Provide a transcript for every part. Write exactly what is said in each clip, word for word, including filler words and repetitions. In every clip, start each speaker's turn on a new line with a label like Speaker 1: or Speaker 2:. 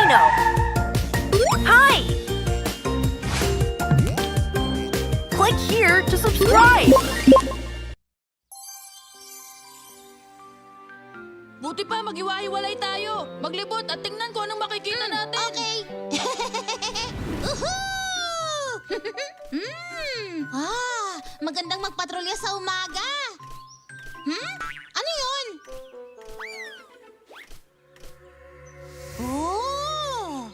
Speaker 1: Dino. Hi! Click here to subscribe.
Speaker 2: Buti pa maghiwa-hiwalay tayo. Maglibot at tingnan ko anong makikita natin.
Speaker 3: Okay. Uhuu! Hmm. Ah, magandang magpatrolya sa umaga. Hmm? Ano yun? Oh!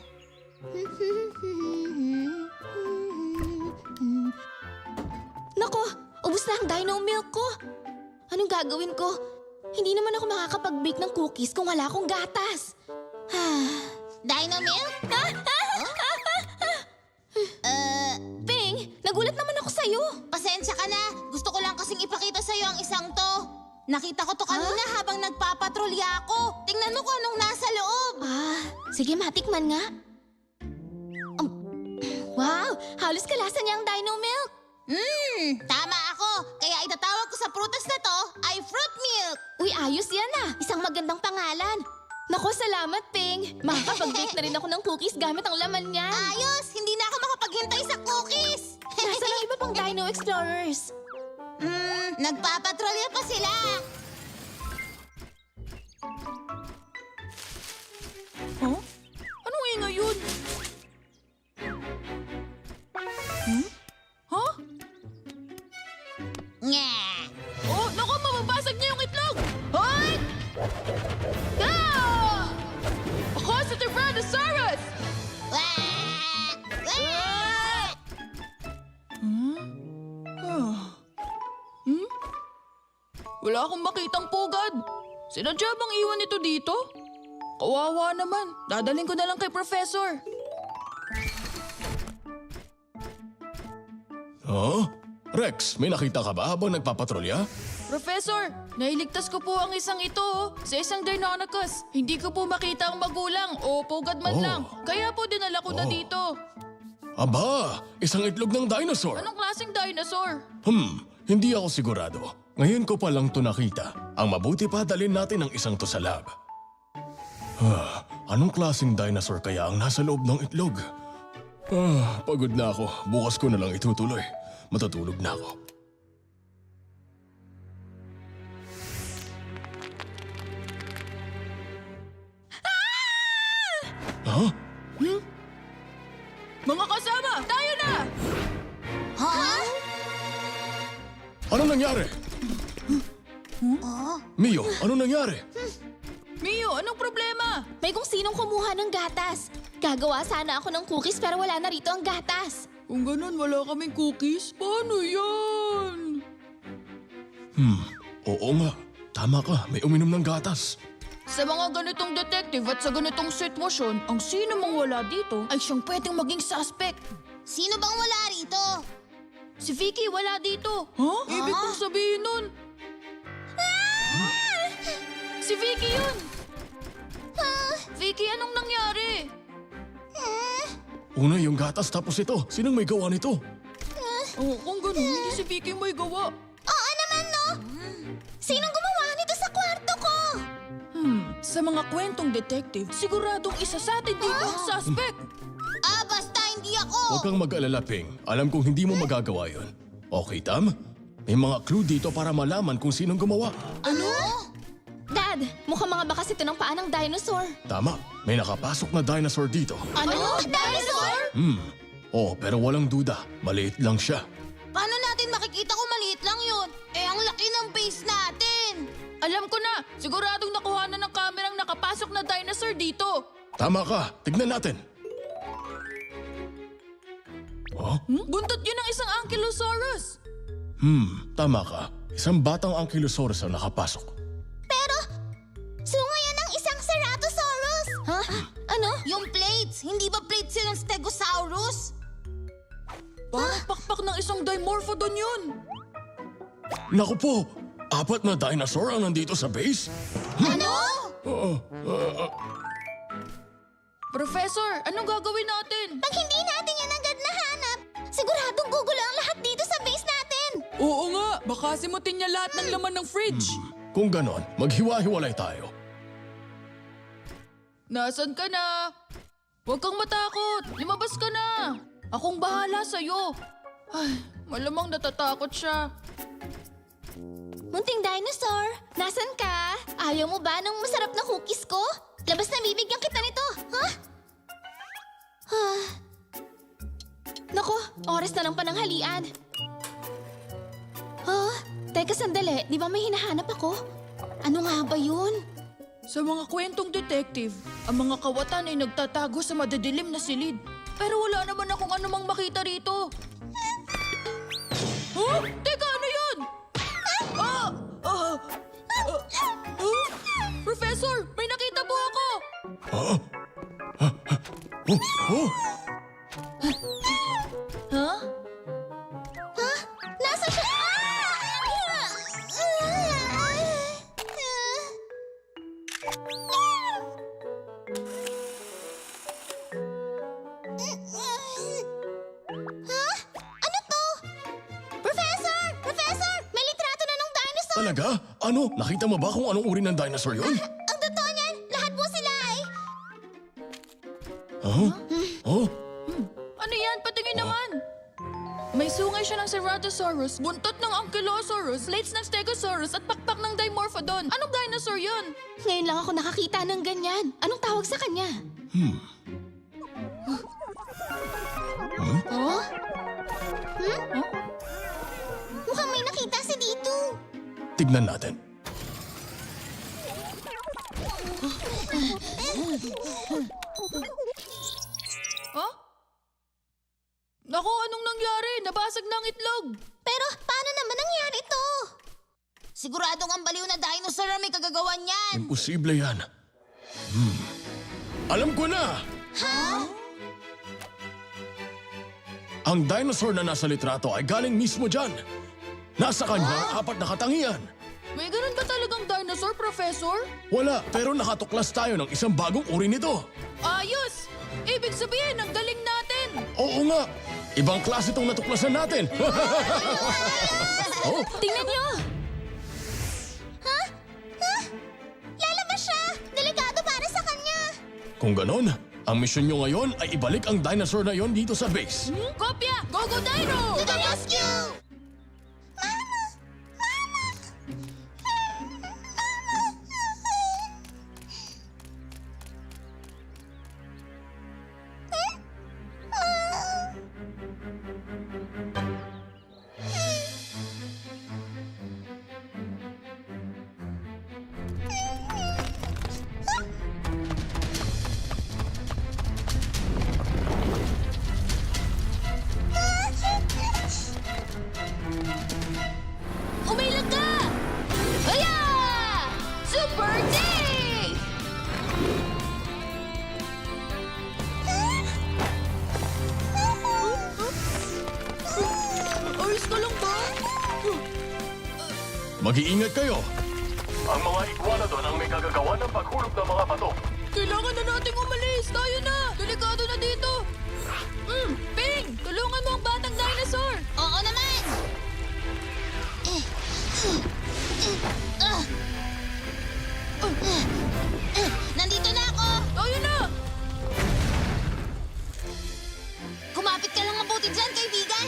Speaker 4: Nako, ubus na ang dino milk ko. Anong gagawin ko? Hindi naman ako makakapag-bake ng cookies kung wala akong gatas.
Speaker 3: Dino milk? Uh,
Speaker 4: Ping, nagulat naman ako sa'yo.
Speaker 3: pasensya ka na. Gusto ko lang kasing ipakita sa'yo ang isang to. Nakita ko to kanina habang nagpapatrolya ako. Tingnan mo kung anong nasa loob.
Speaker 4: Ah, sige matikman nga. Um, wow, halos kalasa niya ang dino milk.
Speaker 3: Hmm, tama ako. Kaya itatawag ko sa prutas na to ay fruit milk.
Speaker 4: Uy, ayos yan ah. Isang magandang pangalan. Nako, salamat, Ping. Makakapag-bake na rin ako ng cookies gamit ang laman niya.
Speaker 3: Ayos, hindi na ako makapaghintay sa cookies.
Speaker 4: Nasaan ang iba pang Dino Explorers?
Speaker 3: Hmm, nagpapatrolya pa sila.
Speaker 2: Huh? Anong ingay yun? Hmm? Huh?
Speaker 3: Nga.
Speaker 2: Oh, naku, mababasag niya yung itlog! Hoy! Ah! Ako si Tyrannosaurus!
Speaker 3: Wah! Wah!
Speaker 2: Hmm? Ah. Hmm? Wala akong makitang pugad. Sinadya bang iwan ito dito? Kawawa naman. Dadaling ko na lang kay Professor.
Speaker 5: Huh? Rex, may nakita ka ba habang nagpapatrolya?
Speaker 2: Professor, nailigtas ko po ang isang ito oh, sa isang Deinonychus. Hindi ko po makita ang magulang o pugad man
Speaker 5: Oh.
Speaker 2: lang. Kaya po dinala ko na
Speaker 5: Oh.
Speaker 2: dito.
Speaker 5: Aba, isang itlog ng dinosaur.
Speaker 2: Anong klaseng dinosaur?
Speaker 5: Hmm, hindi ako sigurado. Ngayon ko pa lang to nakita. Ang mabuti pa dalhin natin ang isang to sa lab. Ah, anong klaseng dinosaur kaya ang nasa loob ng itlog? Ah, pagod na ako. Bukas ko na lang itutuloy. Matutulog na ako. Huh?
Speaker 2: Mga kasama, tayo na!
Speaker 3: Ha?
Speaker 5: Anong nangyari?
Speaker 3: Oh?
Speaker 5: Mio, anong nangyari?
Speaker 2: Mio, anong problema?
Speaker 4: May kung sinong kumuha ng gatas. Gagawa sana ako ng cookies pero wala na rito ang gatas.
Speaker 2: Kung ganun, wala kaming cookies, paano yan?
Speaker 5: Hmm, oo nga. Tama ka, may uminom ng gatas.
Speaker 2: Sa mga ganitong detective at sa ganitong sitwasyon, ang sino mang wala dito ay siyang pwedeng maging suspect.
Speaker 3: Sino bang wala rito?
Speaker 2: Si Vicky wala dito. Huh? Ibig kong sabihin nun. Si Vicky yun! Vicky, anong nangyari?
Speaker 5: Una yung gatas tapos ito. Sinong may gawa nito?
Speaker 2: Oh, kung ganun, hindi si Vicky may gawa.
Speaker 3: Oo naman, no? Sinong gumawa nito sa kwarto ko?
Speaker 2: Hmm, sa mga kwentong detective, siguradong isa sa atin dito ang suspect.
Speaker 3: Ah, basta hindi ako.
Speaker 5: Huwag kang mag-alala, Ping. Alam kong hindi mo magagawa yon. Okay, Tam? May mga clue dito para malaman kung sinong gumawa.
Speaker 3: Ano?
Speaker 4: Dad, mukhang mga bakas ito ng paa ng dinosaur.
Speaker 5: Tama, may nakapasok na dinosaur dito.
Speaker 3: Ano? Dinosaur?
Speaker 5: Hmm, oh, pero walang duda. Maliit lang siya.
Speaker 3: Paano natin makikita kung maliit lang yun? Eh, ang laki ng base natin.
Speaker 2: Alam ko na, siguradong nakuha na ng kamerang nakapasok na dinosaur dito.
Speaker 5: Tama ka, tignan natin. Oh?
Speaker 2: Hmm? Buntot yun ng isang Ankylosaurus.
Speaker 5: Hmm, tama ka. Isang batang Ankylosaurus ang nakapasok.
Speaker 3: Pero, sunga yan ng isang Ceratosaurus.
Speaker 4: Ha? Ano?
Speaker 3: Yung plates, hindi ba plates yun ng Stegosaurus?
Speaker 2: Parang pakpak ng isang Dimorphodon yun.
Speaker 5: Naku po, apat na dinosaur ang nandito sa base?
Speaker 3: Ano?
Speaker 2: Professor, anong gagawin natin?
Speaker 3: Pag hindi natin yan agad nahanap, siguradong gugulo ang lahat dito sa base natin.
Speaker 2: Oo nga, baka simutin niya lahat ng laman ng fridge.
Speaker 5: Kung ganon, maghiwa-hiwalay tayo.
Speaker 2: Nasaan ka na? Huwag kang matakot. Lumabas ka na. Akong bahala sa'yo. Ay, malamang natatakot siya.
Speaker 4: Munting dinosaur, nasan ka? Ayaw mo ba ng masarap na cookies ko? Labas na bibigyan kita nito, ha? Ah. Nako, oras na ng pananghalian. Oh, teka sandali, di ba may hinahanap ako? Ano nga ba yun?
Speaker 2: Sa mga kwentong detective, ang mga kawatan ay nagtatago sa madidilim na silid. Pero wala naman akong anumang makita rito. Huh? Teka, ano yun? Ah! Ah! Ah! Ah! Professor, may nakita po ako!
Speaker 5: Oh, oh,
Speaker 2: Ha?
Speaker 4: Ha? Nasa siya? Ha? Ano to? Professor! Professor! May litrato na ng dinosaur!
Speaker 5: talaga? Ano? Nakita mo ba kung anong uri ng dinosaur yun?
Speaker 4: Ang totoo niyan, lahat po sila ay...
Speaker 5: Huh? Oh?
Speaker 2: Ano yan? Patingin naman! May sungay siya ng Ceratosaurus, buntot ng Ankylosaurus, plates ng Stegosaurus at pakpak ng Dimorphodon. Anong dinosaur yun?
Speaker 4: Ngayon lang ako nakakita ng ganyan. Anong tawag sa kanya?
Speaker 5: Hmm.
Speaker 4: Oh? Hmm? Mukhang may nakita si dito.
Speaker 5: Tignan natin.
Speaker 2: Huh? Naku, anong nangyari? Nabasag ng itlog.
Speaker 4: Pero paano naman nangyari ito?
Speaker 3: Siguradong ang baliw na dinosaur ang may kagagawan niyan.
Speaker 5: Imposible yan. Hmm. Alam ko na! Ang dinosaur na nasa litrato ay galing mismo dyan. Nasa kanya ang apat na katangian.
Speaker 2: May ganun ba talagang dinosaur, Professor?
Speaker 5: Wala, pero nakatuklas tayo ng isang bagong uri nito.
Speaker 2: Ayos! Ibig sabihin, ang galing natin!
Speaker 5: Oo nga! Ibang klase itong natuklasan natin. oh,
Speaker 4: Tingnan niyo! Ha? Ha? Lalabas siya! Delikado para sa kanya!
Speaker 5: kung ganon, ang misyon nyo ngayon ay ibalik ang dinosaur na yon dito sa base.
Speaker 2: Hmm? Kopya! Go, go, Dino!
Speaker 3: To the rescue!
Speaker 4: Umilag ka! Aya! Super D!
Speaker 2: Ayos ka lang ba?
Speaker 5: Mag-iingat kayo. Ang mga iguanodon ang may kagagawa ng paghulog ng mga bato.
Speaker 2: Kailangan na nating umalis! Tayo na! Delikado na dito! Hmm, Ping! Tulungan mo ang batang dinosaur!
Speaker 3: Oo naman! Nandito na ako!
Speaker 2: Tayo na!
Speaker 3: Kumapit ka lang mabuti dyan, kaibigan!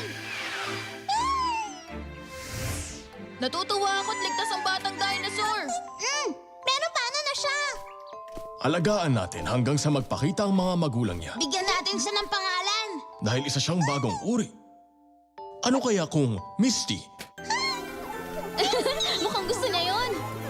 Speaker 2: Natutuwa ako't ligtas ang batang dinosaur!
Speaker 3: Mm, pero paano na siya?
Speaker 5: Alagaan natin hanggang sa magpakita ang mga magulang niya.
Speaker 3: Bigyan natin siya ng pangalan.
Speaker 5: Dahil isa siyang bagong uri. Ano kaya kung Misty?
Speaker 4: Mukhang gusto niya yun.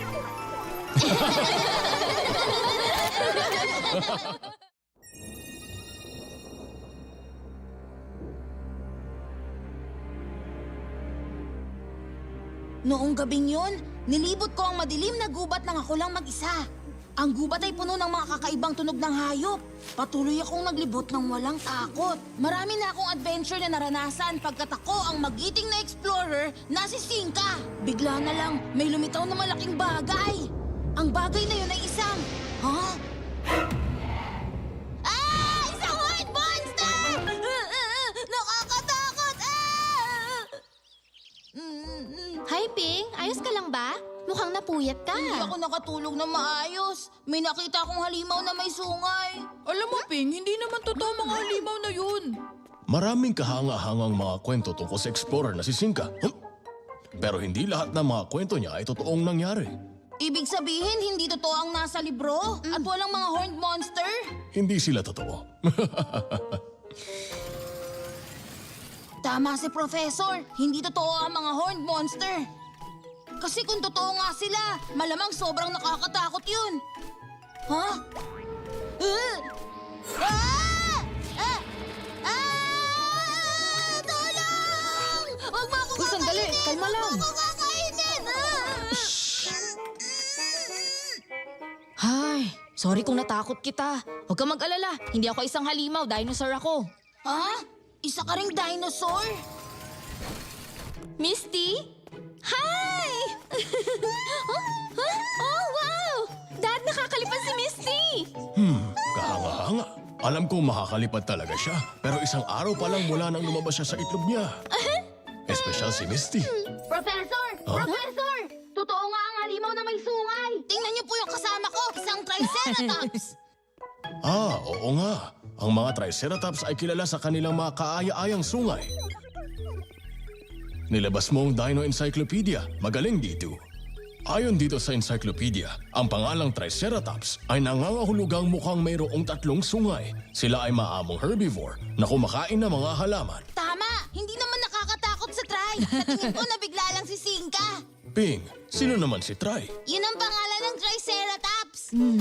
Speaker 3: Noong gabing yun, nilibot ko ang madilim na gubat nang ako lang mag-isa. Ang gubat ay puno ng mga kakaibang tunog ng hayop. Patuloy akong naglibot ng walang takot. Marami na akong adventure na naranasan pagkat ako ang magiting na explorer na si Sinka. Bigla na lang, may lumitaw na malaking bagay. Ang bagay na yun ay isang... Ha? Ah! Isang white monster! Nakakatakot! Ah! Mm, mm.
Speaker 4: Hi, Ping. Ayos ka lang ba? mukhang napuyat ka.
Speaker 3: Hindi ako nakatulog na maayos. May nakita akong halimaw na may sungay.
Speaker 2: Alam mo, Ping, hindi naman totoo mga halimaw na yun.
Speaker 5: Maraming kahanga-hangang mga kwento tungkol sa explorer na si Sinka. Hmm? Pero hindi lahat ng mga kwento niya ay totoong nangyari.
Speaker 3: Ibig sabihin, hindi totoo ang nasa libro? At walang mga horned monster?
Speaker 5: Hindi sila totoo.
Speaker 3: Tama si Professor. Hindi totoo ang mga horned monster. Kasi kung totoo nga sila, malamang sobrang nakakatakot yun. Ha? Uh! Ah! Ah! Ah! Tulong! Huwag mo ako
Speaker 2: Uy, sandali.
Speaker 3: kakainin!
Speaker 2: Kalma lang.
Speaker 3: Huwag mo ako kakainin! Ah!
Speaker 4: Hay, sorry kung natakot kita. Huwag kang mag-alala. Hindi ako isang halimaw, dinosaur ako.
Speaker 3: Ha? Isa ka ring dinosaur?
Speaker 4: Misty? Hi! oh, huh? Oh, wow! Dad, nakakalipad si Misty!
Speaker 5: Hmm, kahanga-hanga. Alam kong makakalipad talaga siya, pero isang araw pa lang mula nang lumabas siya sa itlog niya. Espesyal si Misty.
Speaker 3: Professor!
Speaker 5: Huh?
Speaker 3: Professor! Totoo nga ang halimaw na may sungay! Tingnan niyo po yung kasama ko, isang triceratops!
Speaker 5: Ah, oo nga. Ang mga Triceratops ay kilala sa kanilang mga kaaya-ayang sungay. Nilabas mo ang Dino Encyclopedia. Magaling dito. Ayon dito sa encyclopedia, ang pangalang Triceratops ay nangangahulugang mukhang mayroong tatlong sungay. Sila ay maamong herbivore na kumakain ng mga halaman.
Speaker 3: Tama! Hindi naman nakakatakot sa try. Sa tingin ko nabigla lang si Sinka.
Speaker 5: Ping, sino naman si Tri?
Speaker 3: Yun ang pangalan ng Triceratops.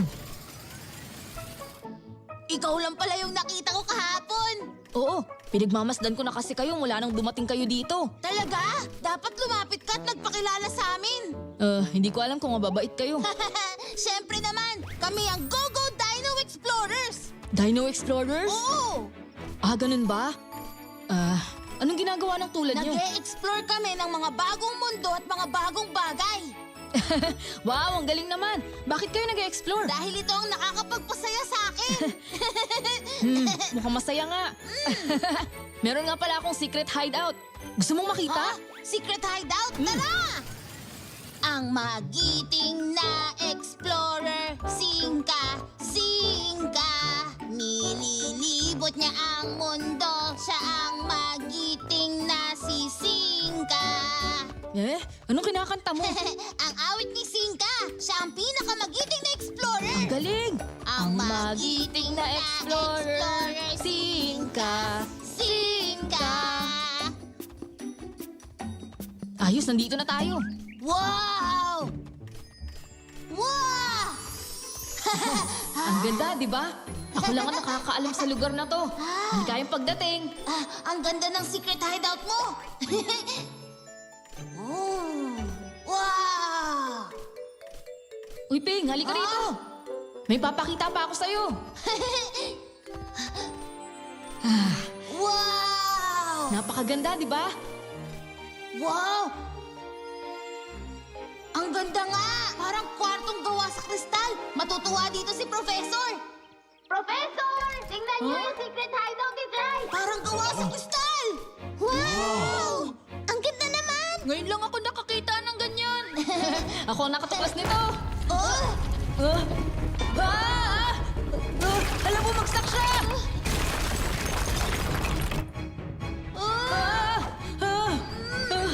Speaker 3: Ikaw lang pala yung nakita ko kahapon.
Speaker 4: Oo, pinagmamasdan ko na kasi kayo mula nang dumating kayo dito.
Speaker 3: Talaga? Dapat lumapit ka at nagpakilala sa amin.
Speaker 4: Uh, hindi ko alam kung mababait kayo.
Speaker 3: Siyempre naman, kami ang Go-Go Dino Explorers.
Speaker 4: Dino Explorers?
Speaker 3: Oo!
Speaker 4: Ah, ganun ba? Ah, anong ginagawa ng tulad niyo?
Speaker 3: Nag-e-explore kami ng mga bagong mundo at mga bagong bagay.
Speaker 4: Wow, ang galing naman. Bakit kayo nag-explore?
Speaker 3: Dahil ito ang nakakapagpasaya sa akin.
Speaker 4: Hmm, mukhang masaya nga. Meron nga pala akong secret hideout. Gusto mong makita?
Speaker 3: Ha? Secret hideout? Tara! Ang magiting na explorer, Sinka, Sinka. Nililibot niya ang mundo, siya ang magiting na si Sinka.
Speaker 4: Eh, anong kinakanta mo?
Speaker 3: Ang awit ni Sinka, siya ang pinakamagiting na explorer.
Speaker 4: Ang galing!
Speaker 3: Ang magiting na explorer,
Speaker 4: Sinka.
Speaker 3: Sinka.
Speaker 4: Ayos, nandito na tayo.
Speaker 3: Wow! Wow!
Speaker 4: Ang ganda, di ba? Ako lang ang nakakaalam sa lugar na to. Hindi kayang pagdating.
Speaker 3: Ah, ang ganda ng secret hideout mo! oh, wow!
Speaker 4: Uy, Ping, halika rito. May papakita pa ako sa'yo.
Speaker 3: Wow!
Speaker 4: Napakaganda, di ba?
Speaker 3: Wow! Ang ganda nga! Parang kwartong gawa sa kristal. Matutuwa dito si Professor. Professor! Tingnan niyo yung secret hideout ni Dry! Parang gawa sa kristal! Wow! Ang ganda naman!
Speaker 2: Ngayon lang ako nakakita ng ganyan.
Speaker 4: Ako ang nakatuklas nito.
Speaker 3: Oh!
Speaker 4: Ah! Ah! Ah! Alam mo, magsak siya!
Speaker 3: Oh!
Speaker 4: Ah! Ah! Ah!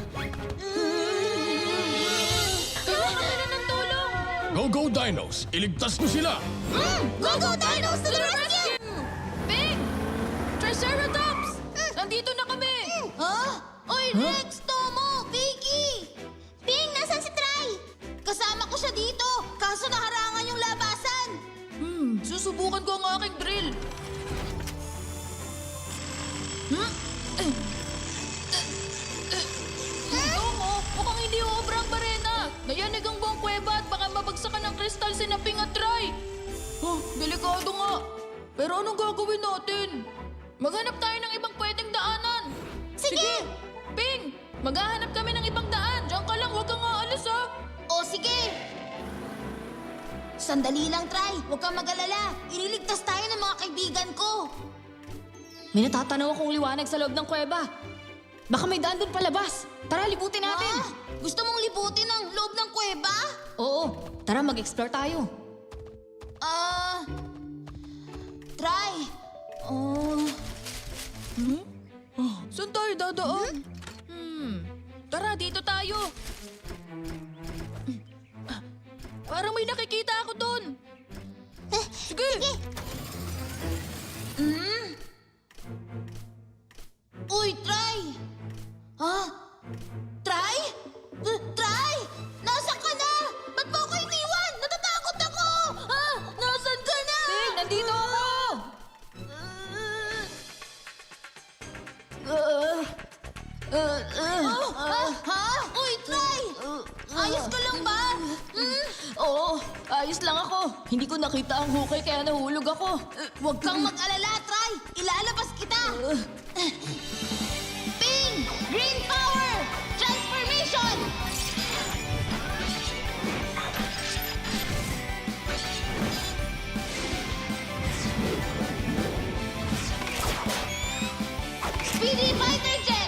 Speaker 2: Kailangan nila ng tulong.
Speaker 5: Go, go, Dinos! Iligtas niyo sila!
Speaker 3: Go, go, Dinos to the rescue!
Speaker 2: Ping! Triceratops! Nandito na kami.
Speaker 3: Huh? Oy, Rex, Tomo, Vicky! Ping, nasan si Try? Kasama ko siya dito, kaso naharangan yung labasan.
Speaker 2: Hmm, susubukan ko ang aking drill. Hmm? Eh. Tomo, mukhang hindi uobra ang barena. Nayanig ang buong kuweba at baka mabagsakan ng kristal si Naping at Try. Oh, delikado nga. Pero anong gagawin natin? Maghanap tayo ng ibang pwedeng daanan.
Speaker 3: Sige!
Speaker 2: Ping, maghahanap kami ng ibang daan. Diyan ka lang, huwag kang aalis ha.
Speaker 3: O sige! Sandali lang, Try. Huwag kang mag-alala. Ililigtas tayo ng mga kaibigan ko.
Speaker 4: May natatanaw akong liwanag sa loob ng kuweba. Baka may daan doon palabas. Tara, libutin natin.
Speaker 3: Ah, Gusto mong libutin ang loob ng kuweba?
Speaker 4: Oo, tara mag-explore tayo.
Speaker 3: Ah... try. Oh...
Speaker 2: Saan tayo dadaan? Hmm. Tara, dito tayo. Ah, Parang may nakikita ako doon. Sige.
Speaker 3: Uy, try! Ha? Try? Uh, try! Nasaan ka na? Ba't mo ako iniwan? Natatakot ako! Ha? Nasaan ka na?
Speaker 2: Ting, nandito ako.
Speaker 3: Oh, ah, ha? Uy, try! Ayos ka lang ba? Hmm?
Speaker 2: Oo, ayos lang ako. Hindi ko nakita ang hukay kaya nahulog ako.
Speaker 3: Huwag kang mag-alala, try! Ilalabas kita! Ping! Green power! Transformation! Speedy fighter jet!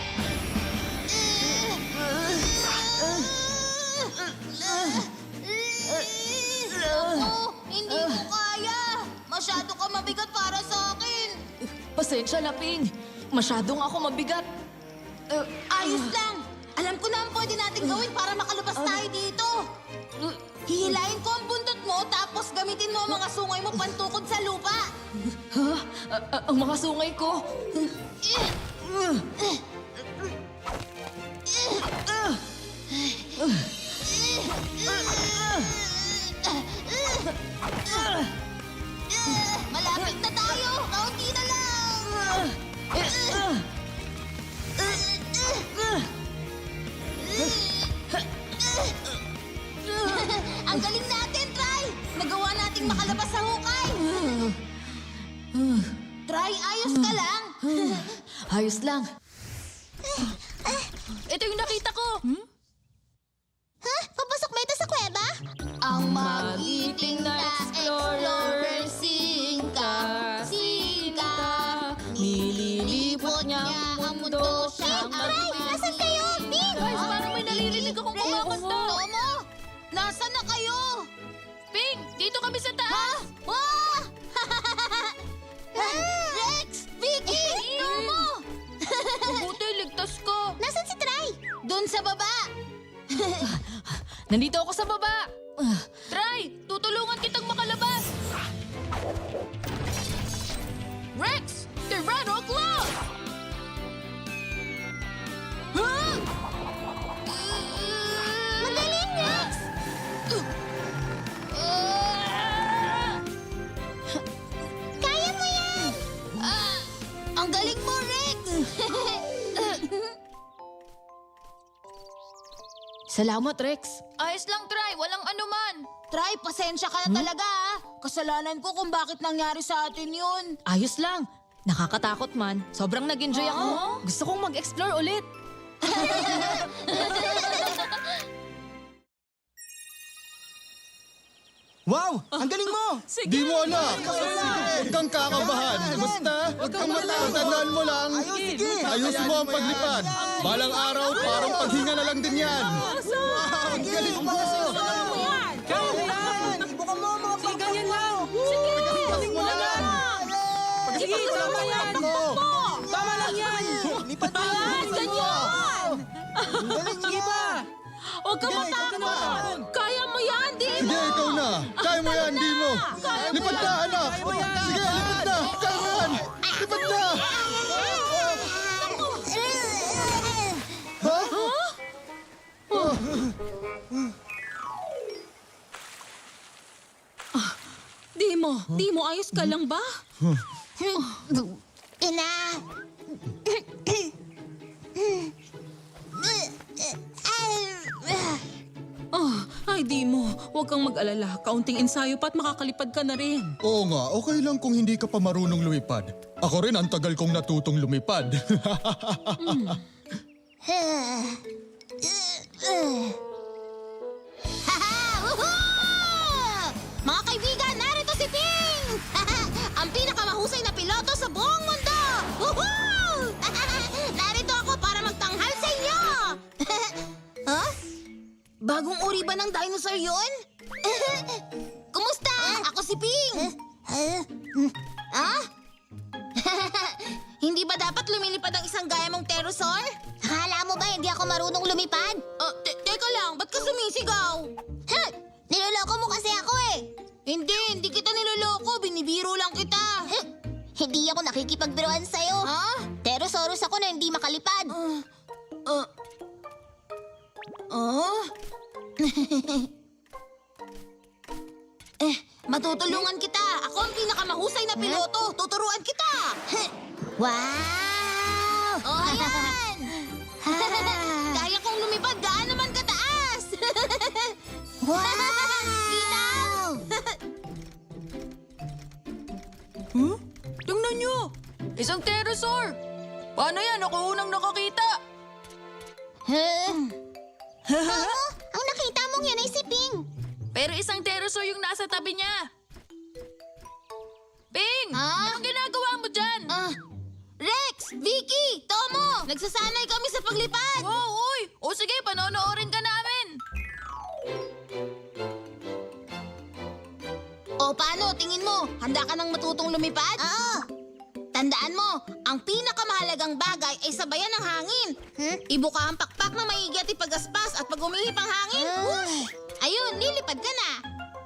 Speaker 3: Ako, hindi ko kaya. Masyado ka mabigat para sa akin.
Speaker 2: Pasensya na, Ping. Masyadong ako mabigat.
Speaker 3: Uh, ayos lang. Alam ko na ang pwede natin gawin para makalabas tayo dito. Hihilayin ko ang buntot mo tapos gamitin mo ang mga sungay mo pantukod sa lupa.
Speaker 2: Ha? A- a- ang mga sungay ko.
Speaker 3: Malapit na tayo. Kaunti na lang. Ang galing natin, Try! Nagawa nating makalabas sa hukay. Try, ayos ka lang.
Speaker 2: Ayos lang. Ito yung nakita ko.
Speaker 4: Ha? Papasok ba ito sa kuweba?
Speaker 3: Ang magiting na explorer, singka, singka. Nililipot niya ang mundo siyang
Speaker 4: Aray! Nasaan kayo? Ping!
Speaker 2: Guys, parang may naririnig akong kumakanta.
Speaker 3: Tomo, nasaan na kayo?
Speaker 2: Ping, dito kami sa taas.
Speaker 3: Wow! Rex! Vicky! Tomo!
Speaker 2: Mabuti, ligtas ka.
Speaker 4: Nasaan si Try?
Speaker 3: Doon sa baba.
Speaker 2: Nandito ako sa baba. Try, tutulungan kitang makalabas. Rex, Tyranno Claw! Huh?
Speaker 4: Magaling, Rex! Kaya mo yan!
Speaker 3: Ah, ang galing mo, Rex!
Speaker 2: Salamat, Rex. Ayos lang, Try. Walang anuman.
Speaker 3: Try, pasensya ka na talaga ah. Kasalanan ko kung bakit nangyari sa atin yun.
Speaker 2: Ayos lang. Nakakatakot man. Sobrang nag-enjoy ako. Gusto kong mag-explore ulit.
Speaker 6: Wow! Ang galing mo!
Speaker 5: Di mo anak! Huwag kang kakabahan. Basta, huwag kang matakot. Tandaan mo lang. Ayusin mo ang paglipad. Balang araw, parang paghinga na lang din yan.
Speaker 6: Ang galing mo! Kaya mo yan! Ibukan mo ang mga pagkakas ganyan lang! Sige! Galing mo lang! Sige, tama yan! Tama lang yan! Lipat mo yan! Ganyan! Ang galing mo! Sige pa!
Speaker 2: Huwag ka matakot. Kaya mo yan, di
Speaker 5: Sige, ikaw na. Kaya mo yan, di mo. Lipad na, anak. Sige, lipad na. Kaya mo yan. Lipad na. Ha?
Speaker 2: Di mo. Di mo. Ayos ka lang ba?
Speaker 4: Ina!
Speaker 2: Oh, ay di mo. Huwag kang mag-alala. Kaunting ensayo pa at makakalipad ka na rin.
Speaker 5: Oo nga, okay lang kung hindi ka pa marunong lumipad. Ako rin ang tagal kong natutong lumipad.
Speaker 3: Mga kaibigan, narito si Ping! Ang pinakamahusay na piloto sa buong mundo! Woohoo! Narito ako para magtanghal sa inyo! huh? Bagong uri ba ng dinosaur yun? Kumusta? Ako si Ping. Ah? Hindi ba dapat lumilipad ang isang gaya mong pterosaur?
Speaker 4: Akala mo ba hindi ako marunong lumipad?
Speaker 3: Ah, te- teka lang, ba't ka sumisigaw?
Speaker 4: Huh! Niloloko mo kasi ako eh!
Speaker 3: Hindi, hindi kita niloloko. Binibiro lang kita.
Speaker 4: Huh! Hindi ako nakikipagbiruan sa'yo.
Speaker 3: Ha?
Speaker 4: Pterosaurus ako na hindi makalipad.
Speaker 3: Ah. Ah. Ah? eh, matutulungan kita. Ako ang pinakamahusay na piloto. Tuturuan kita.
Speaker 4: Wow!
Speaker 3: Oh, ayan! Kaya kong lumipad. Gaan naman kataas.
Speaker 4: Wow!
Speaker 2: Huh? Tingnan nyo! Isang pterosaur! Paano yan? Ako unang nakakita!
Speaker 4: Huh? Mamo, ang nakita mong yan ay si Ping.
Speaker 2: Pero isang pterosaur yung nasa tabi niya. Ping!
Speaker 3: Ah?
Speaker 2: Anong ginagawa mo dyan?
Speaker 3: Ah, Rex! Vicky! Tomo! Nagsasanay kami sa paglipad!
Speaker 2: Wow, uy! O sige, panonoorin ka namin!
Speaker 3: O paano, tingin mo? Handa ka nang matutong lumipad?
Speaker 4: Oo.
Speaker 3: Tandaan mo, ang pinakamahalagang bagay ay sabayan ng hangin.
Speaker 4: Hmm?
Speaker 3: Ibuka ang pakpak na maigi at ipagaspas at pag umihip ang hangin,
Speaker 4: Ah.
Speaker 3: whoosh! Ayun, lilipad ka na.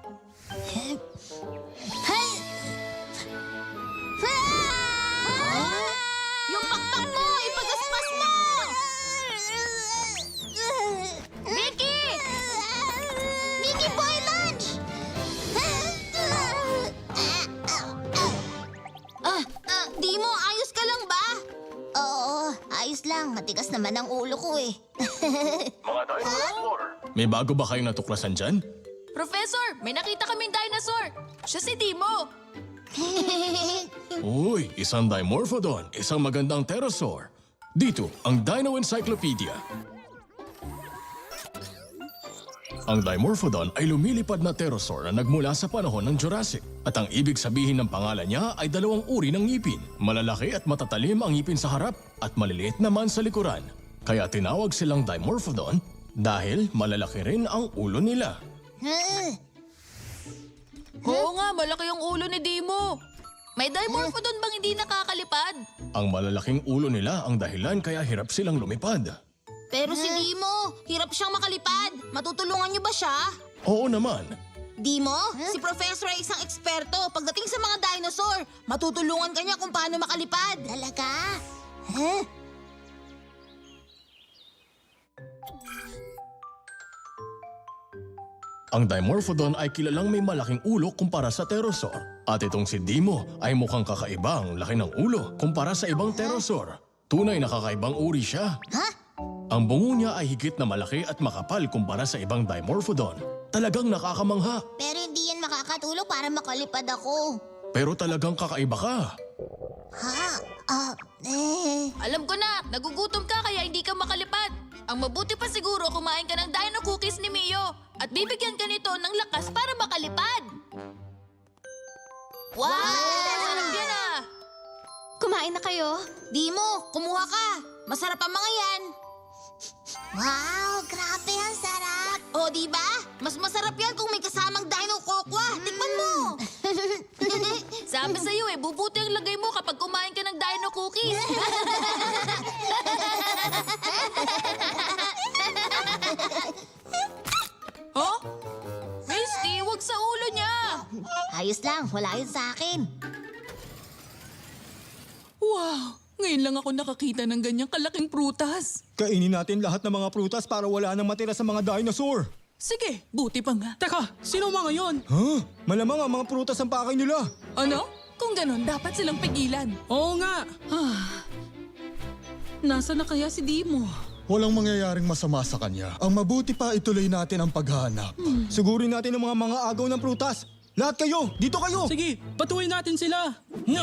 Speaker 3: Yung pakpak mo, ipagaspas mo!
Speaker 4: Vicky! Vicky Boy Lunch!
Speaker 3: Ah, ah, di mo, ayos ka lang ba?
Speaker 4: Oo, ayos lang. Matigas naman ang ulo ko eh.
Speaker 5: Mga dinosaur! May bago ba kayong natuklasan dyan?
Speaker 2: Professor, may nakita kaming dinosaur! Siya si Timo!
Speaker 5: Uy, isang Dimorphodon, isang magandang pterosaur. Dito, ang Dino Encyclopedia. Ang Dimorphodon ay lumilipad na pterosaur na nagmula sa panahon ng Jurassic. At ang ibig sabihin ng pangalan niya ay dalawang uri ng ngipin. Malalaki at matatalim ang ngipin sa harap at maliliit naman sa likuran. Kaya tinawag silang Dimorphodon dahil malalaki rin ang ulo nila.
Speaker 2: Oo nga, malaki yung ulo ni Dimo. May Dimorphodon bang hindi nakakalipad?
Speaker 5: Ang malalaking ulo nila ang dahilan kaya hirap silang lumipad.
Speaker 3: Pero si Dimo, hirap siyang makalipad. Matutulungan niyo ba siya?
Speaker 5: Oo naman.
Speaker 3: Dimo, si Professor ay isang eksperto pagdating sa mga dinosaur. Matutulungan ka niya kung paano makalipad.
Speaker 4: Talaga? Huh?
Speaker 5: Ang Dimorphodon ay kilalang may malaking ulo kumpara sa pterosaur. At itong si Dimo ay mukhang kakaiba ang laki ng ulo kumpara sa ibang pterosaur. Tunay na kakaibang uri siya.
Speaker 4: Ha?
Speaker 5: Ang bungo niya ay higit na malaki at makapal kumpara sa ibang Dimorphodon. Talagang nakakamangha,
Speaker 4: Pero hindi yan makakatulong para makalipad ako.
Speaker 5: pero talagang kakaiba ka.
Speaker 4: Ha? Ah, eh.
Speaker 2: Alam ko na, nagugutom ka kaya hindi ka makalipad. Ang mabuti pa siguro kumain ka ng dino cookies ni Mio at bibigyan ka nito ng lakas para makalipad. Wow! Sarap yan ah!
Speaker 4: Kumain na kayo?
Speaker 3: Dimo, kumuha ka. Masarap ang mga yan.
Speaker 4: Wow, grabe ang sarap.
Speaker 3: O, di ba? Mas masarap yan kung may kasamang dino kokwa. Tikman mo.
Speaker 2: Sabi sa'yo eh, bubuti ang lagay mo kapag kumain ka ng dino cookies. Huh? Misty, wag sa ulo niya!
Speaker 4: Ayos lang, wala yun sa akin.
Speaker 2: Wow! Ngayon lang ako nakakita ng ganyang kalaking prutas.
Speaker 7: Kainin natin lahat ng mga prutas para wala nang matira sa mga dinosaur.
Speaker 2: Sige, buti pa nga.
Speaker 6: Teka, sino mga yon?
Speaker 7: Huh? Malamang ang mga prutas ang pakay nila.
Speaker 2: Ano? Kung ganun, dapat silang pigilan.
Speaker 6: Oo nga. Ah. Nasaan na kaya si Dimo?
Speaker 7: Walang mangyayaring masama sa kanya. Ang mabuti pa ituloy natin ang paghahanap. Sugurin natin ang mga mga agaw ng prutas. Lahat kayo! Dito kayo!
Speaker 6: Sige, patuloy natin sila.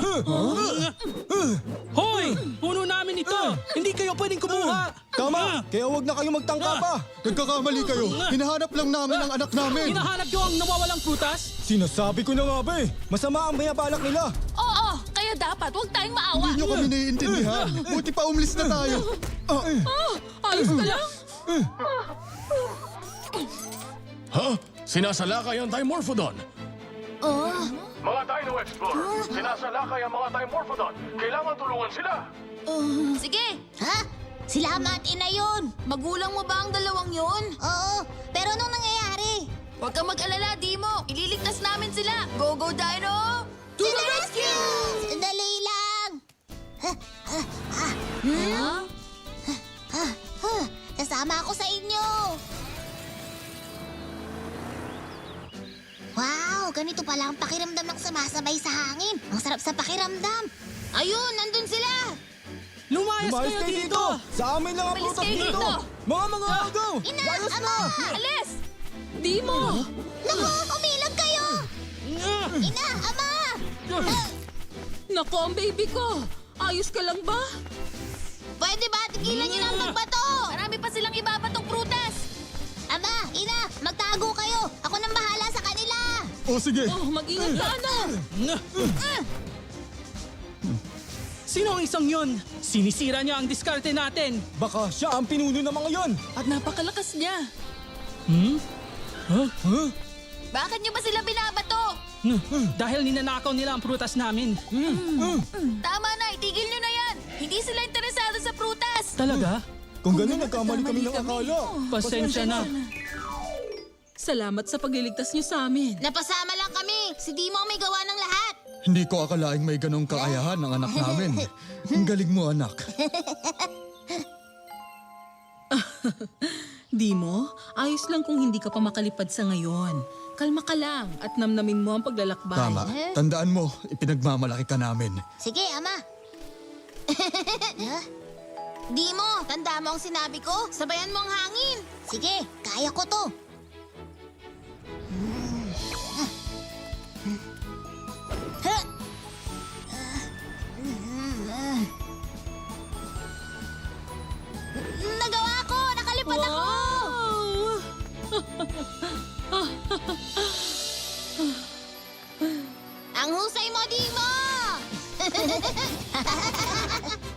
Speaker 6: Hoy! Puno namin ito! Hindi kayo pwedeng kumuha!
Speaker 7: Tama! Kaya wag na kayo magtangka pa! Nagkakamali kayo! Hinahanap lang namin ang anak namin!
Speaker 6: Hinahanap nyo ang nawawalang prutas?
Speaker 7: Sinasabi ko na nga ba eh! Masama ang mayabalak nila!
Speaker 2: Oo, kaya dapat huwag tayong maawa.
Speaker 7: Hindi nyo kami naiintindihan! Buti pa umlis na tayo! Ah,
Speaker 2: Ayos ka lang?
Speaker 5: Ha? Sinasalakay ang Dimorphodon!
Speaker 3: Oh,
Speaker 5: Mga Dino Explorer, sinasalakay ang mga Dimorphodon. Kailangan tulungan sila.
Speaker 3: sige.
Speaker 4: Ha? Sila ama at ina yun.
Speaker 3: Magulang mo ba ang dalawang yun?
Speaker 4: Oo, pero anong nangyayari?
Speaker 3: Huwag kang mag-alala, Dimo. Ililigtas namin sila. Go, go, Dino!
Speaker 4: To the rescue! Sandali lang!
Speaker 3: Huh?
Speaker 4: Ah, huh, sasama ako sa inyo! Wow, ganito pala ang pakiramdam ng sumasabay sa hangin. Ang sarap sa pakiramdam.
Speaker 3: Ayun, nandun sila.
Speaker 6: Lumayas,
Speaker 7: Lumayas
Speaker 6: kayo
Speaker 7: kayo
Speaker 6: dito!
Speaker 7: dito! Sa amin lang ang
Speaker 3: Umalis
Speaker 7: prutas
Speaker 3: kayo
Speaker 7: dito!
Speaker 3: dito!
Speaker 7: Mga mga agaw!
Speaker 4: Ina,
Speaker 7: Layas
Speaker 4: ama!
Speaker 7: na!
Speaker 3: Alis!
Speaker 2: Di mo!
Speaker 4: Naku, umilag kayo! Ina, ama!
Speaker 2: Nako, ang baby ko! Ayos ka lang ba?
Speaker 3: Pwede ba tigilan niyo na ang magbato? Marami pa silang ibabatong prutas.
Speaker 4: Ama, ina, magtago kayo! Ako nang bahala sa kanila!
Speaker 7: O sige!
Speaker 2: Oh, mag-ingat ka, anak!
Speaker 6: Sino ang isang yun? Sinisira niya ang diskarte natin.
Speaker 7: Baka siya ang pinuno ng mga yon!
Speaker 2: At napakalakas niya.
Speaker 6: Hmm?
Speaker 7: Huh? Huh?
Speaker 3: Bakit niyo ba sila binabato?
Speaker 6: Hmm, Dahil ninanakaw nila ang prutas namin.
Speaker 7: Hmm.
Speaker 3: Tama na, itigil niyo na yan. Hindi sila interesado sa prutas.
Speaker 6: Talaga?
Speaker 7: Kung gano'n, nagkamali kami ng akala.
Speaker 6: Pasensya na.
Speaker 2: Salamat sa pagliligtas niyo sa amin.
Speaker 3: Napasama lang kami. Si Dimo ang may gawa ng lahat.
Speaker 7: Hindi ko akalaing may ganong kaayahan ng anak namin. Ang galing mo, anak.
Speaker 2: Di mo, ayos lang kung hindi ka pa makalipad sa ngayon. Kalma ka lang at namnamin mo ang paglalakbay.
Speaker 7: Tama. Tandaan mo, ipinagmamalaki ka namin.
Speaker 4: Sige, ama.
Speaker 3: Dimo, tanda mo ang sinabi ko. Sabayan mo ang hangin.
Speaker 4: Sige, kaya ko to.
Speaker 3: Nagawa ko! Nakalipad ako!
Speaker 4: Ang husay mo, Dimo!